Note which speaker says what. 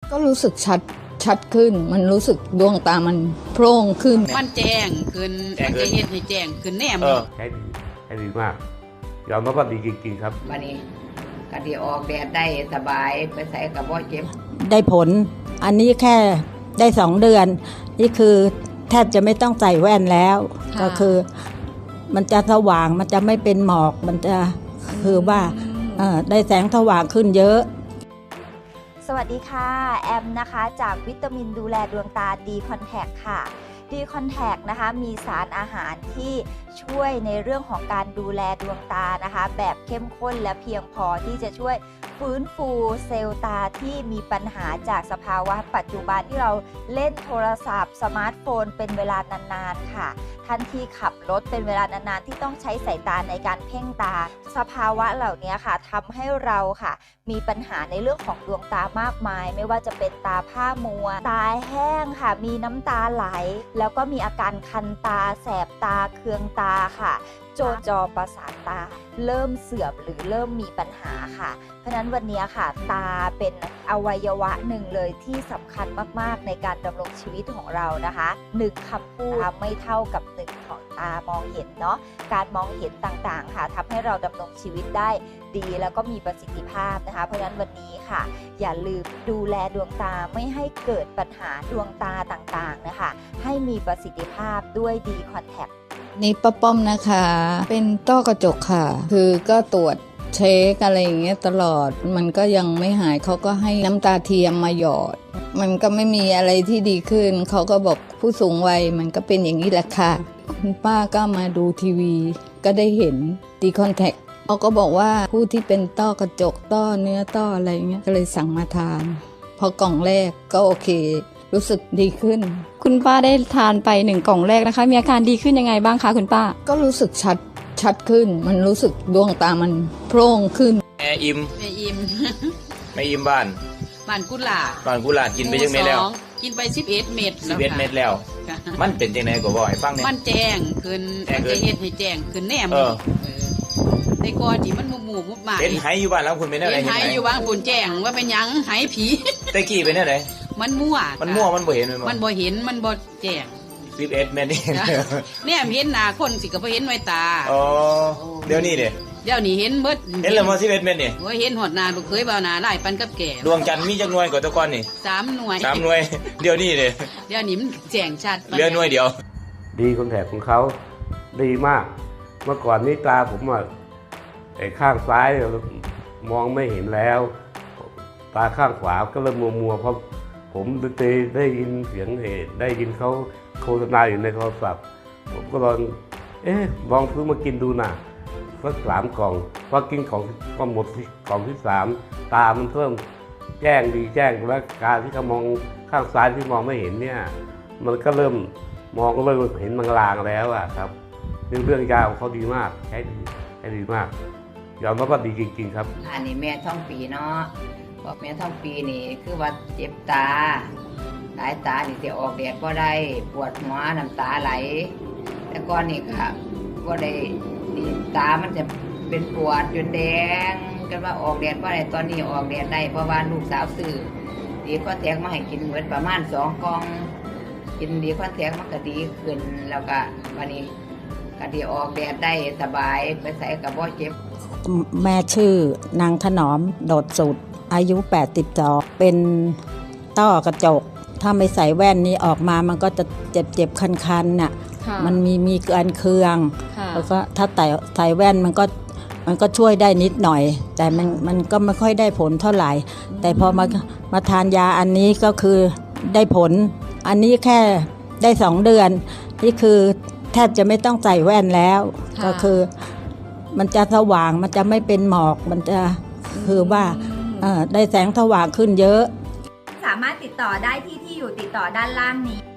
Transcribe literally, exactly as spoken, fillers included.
Speaker 1: ก็รู้สึกชัดชัดขึ้นมันรู้สึกดวงตามันโพร่งขึ้น
Speaker 2: มันแจ้งขึ้นมันจะเห็นให้แจ้งขึ้นแน่ม
Speaker 3: ใช้ดีใช้ดีมากยอมรับว่าดีจริงๆครับ
Speaker 4: วันนี้ก็ที่ออกแดดได้สบายไปใส่กับบ่เจ็บ
Speaker 5: ได้ผลอันนี้แค่ได้สองเดือนนี่คือแทบจะไม่ต้องใส่แว่นแล้วก็คือมันจะสว่างมันจะไม่เป็นหมอกมันจะคือว่าได้แสงสว่างขึ้นเยอะ
Speaker 6: สวัสดีค่ะแอมนะคะจากวิตามินดูแลดวงตาดีคอนแทคค่ะดีคอนแทคนะคะมีสารอาหารที่ช่วยในเรื่องของการดูแลดวงตานะคะแบบเข้มข้นและเพียงพอที่จะช่วยฟื้นฟูเซลล์ตาที่มีปัญหาจากสภาวะปัจจุบันที่เราเล่นโทรศัพท์สมาร์ทโฟนเป็นเวลานานๆค่ะท่านที่ขับรถเป็นเวลานานๆที่ต้องใช้สายตาในการเพ่งตาสภาวะเหล่านี้ค่ะทำให้เราค่ะมีปัญหาในเรื่องของดวงตามากมายไม่ว่าจะเป็นตาผ้ามัวตาแห้งค่ะมีน้ำตาไหลแล้วก็มีอาการคันตาแสบตาเคืองตาค่ะจนจอประสาทตาเริ่มเสื่อมหรือเริ่มมีปัญหาค่ะเพราะฉะนั้นวันนี้ค่ะตาเป็นอวัยวะหนึ่งเลยที่สำคัญมากๆในการดำรงชีวิตของเรานะคะหนึ่งคำพูดไม่เท่ากับหนึ่งของตามองเห็นเนาะการมองเห็นต่างๆค่ะทำให้เราดำรงชีวิตได้ดีแล้วก็มีประสิทธิภาพนะคะเพราะฉะนั้นวันนี้ค่ะอย่าลืมดูแลดวงตาไม่ให้เกิดปัญหาดวงตาต่างๆนะคะให้มีประสิทธิภาพด้วยดีคอนแทค
Speaker 1: นี่ป้าป้อมนะคะเป็นต้อกระจกค่ะคือก็ตรวจเช็คอะไรอย่างเงี้ยตลอดมันก็ยังไม่หายเขาก็ให้น้ำตาเทียมมาหยอดมันก็ไม่มีอะไรที่ดีขึ้นเขาก็บอกผู้สูงวัยมันก็เป็นอย่างนี้แหละค่ะคุณป้าก็มาดูทีวีก็ได้เห็นดีคอนแทคเขาก็บอกว่าผู้ที่เป็นต้อกระจกต้อเนื้อต้ออะไรเงี้ยก็เลยสั่งมาทานพอกล่องแรกก็โอเครู้สึกดีขึ้น
Speaker 7: คุณป้าได้ทานไปหนึ่งกล่องแรกนะคะมีอาการดีขึ้นยังไงบ้างคะคุณป้า
Speaker 1: ก็รู้สึกชัดชัดขึ้นมันรู้สึกดวงตามันโพร่งขึ้น
Speaker 3: แม่อิม
Speaker 2: แม่อิม
Speaker 3: แม่อิมบ้าน
Speaker 2: บ้านกุหลาบ
Speaker 3: บ้านกุหลาบกินไปยังเม็ดแล้ว
Speaker 2: กินไปสิบเอ็ดเม็ด
Speaker 3: สิบเอ็ดเม็ดแล้วมันเป็นจังได๋ก็บ่ให้ฟังแน่
Speaker 2: มันแจ้งขึ้นมันจะเฮ็ดให้แจ้งขึ้นแน่มในก่อนที่มันหมู่ๆมุบมา
Speaker 3: เห็นไหอยู่บ้านแล้วคุณเป็นแนวไหน
Speaker 2: เห็นไหอยู่บ้านคุณแจ้งว่าเป็นหยังไหผี
Speaker 3: แต่กี้เป็นแนวไหน
Speaker 2: มันมั่ว
Speaker 3: มันมั่วมันบ่เห็น
Speaker 2: มันบ่เห็นมันบ่แจ้ง
Speaker 3: สิบเอ็ดเม็ดนี่
Speaker 2: เนี่ยเห็นหน้าคนสิก็บ่เห็นไว้ตา
Speaker 3: อ๋อเดี๋ยวนี้เด้
Speaker 2: เดี๋ยวนี้เห็นเบิด
Speaker 3: เห็นแล้วบ่สิบเอ็ดเม็ดนี่
Speaker 2: โอ้ยเห็นหอดหน้าลูกเคยบ่าวหน้าหลายปันกับแก่
Speaker 3: ดวงจันทร์มีจักหน่วยกว่าตะก่อนนี่
Speaker 2: สามหน่วย
Speaker 3: สามหน่วยเดี๋ยวนี้เด้
Speaker 2: เดี๋ยวนี้มันแจ้งชัด
Speaker 3: เหลือหน่วยเดียวดีคอนแทคของเขาดีมากเมื่อก่อนนี้ตาผมอ่ะไอ้ข้างซ้ายมองไม่เห็นแล้วตาข้างขวาก็เริ่มมัวๆเพราะผมได้ได้ยินเสียงเหตุได้ยินเขาโฆษณาอยู่ในโทรศัพท์ผมก็ลองเอ๊ะลองซื้อมากินดูนะสักสามกล่องพอกินของก็หมดกล่องที่สามตามันเริ่มแจ้งดีแจ้งแล้วการที่เขามองข้างซ้ายที่มองไม่เห็นเนี่ยมันก็เริ่มมองก็เริ่มเห็นลางๆแล้วอะครับเรื่องเรื่องยาของเขาดีมากใช้ดีใช้ดีมากยอมรับว่าดีจริงๆครับ
Speaker 4: อันนี้แม่ท่องปีเนาะบอกแม่ท่องปีนี่คือว่าเจ็บตาหลายตานี่จะออกแดดก็ได้ปวดหัวน้ำตาไหลแต่ก่อนนี่ค่ะก็ได้นี่ตามันจะเป็นปวดจนแดงกันว่าออกแดดก็ได้ตอนนี้ออกแดดได้เพราะว่าลูกสาวซื้อดีคอนแทคมาให้กินเหมือนประมาณสองกล่องกินดีคอนแทคมันก็ดีขึ้นแล้วก็วันนี้ก็ดีออกแดดได้สบายไปใส่กับบ่เจ็บ
Speaker 5: แม่ชื่อนางถนอมโดดสุดอายุแปดสิบสองเป็นต้อกระจกถ้าไม่ใส่แว่นนี้ออกมามันก็จะเจ็บเจ็บคันๆน่ะมันมีมีการเคืองแล้วก็ถ้าใส่ใส่แว่นมันก็มันก็ช่วยได้นิดหน่อยแต่มันมันก็ไม่ค่อยได้ผลเท่าไหร่แต่พอมามาทานยาอันนี้ก็คือได้ผลอันนี้แค่ได้สองเดือนนี่คือแทบจะไม่ต้องใส่แว่นแล้วก็คือมันจะสว่างมันจะไม่เป็นหมอกมันจะคือว่าได้แสงสว่างขึ้นเยอะ
Speaker 6: สามารถติดต่อได้ที่ที่อยู่ติดต่อด้านล่างนี้